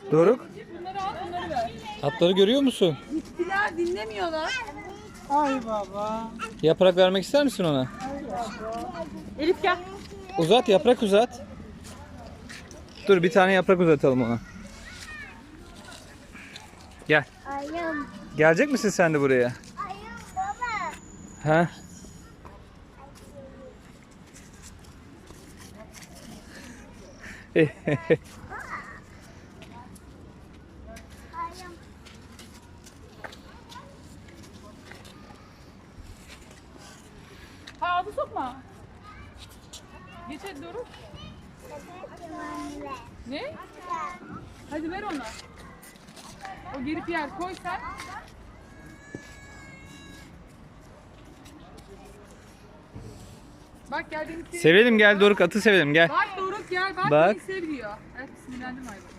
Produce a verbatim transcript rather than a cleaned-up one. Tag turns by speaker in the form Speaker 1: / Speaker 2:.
Speaker 1: Doruk,
Speaker 2: Bunları al, bunları ver.
Speaker 1: atları görüyor musun?
Speaker 2: Gittiler, dinlemiyorlar.
Speaker 3: Ay baba.
Speaker 1: Yaprak vermek ister misin ona?
Speaker 2: Elif gel.
Speaker 1: Uzat, yaprak uzat. Dur bir tane yaprak uzatalım ona. Gel.
Speaker 4: Ayım.
Speaker 1: Gelecek misin sen de buraya?
Speaker 4: Ayım baba.
Speaker 1: Ha?
Speaker 4: Ayım.
Speaker 2: Ha, ağzı sokma. Geç hadi Doruk. Ne? Hadi ver ona. O geri yer koy sen. Bak gel beni sev.
Speaker 1: Sevelim gel Doruk, atı sevelim gel.
Speaker 2: Bak Doruk gel bak,
Speaker 1: Bak.
Speaker 2: beni seviyor. Evet, sinirlendim hayvan.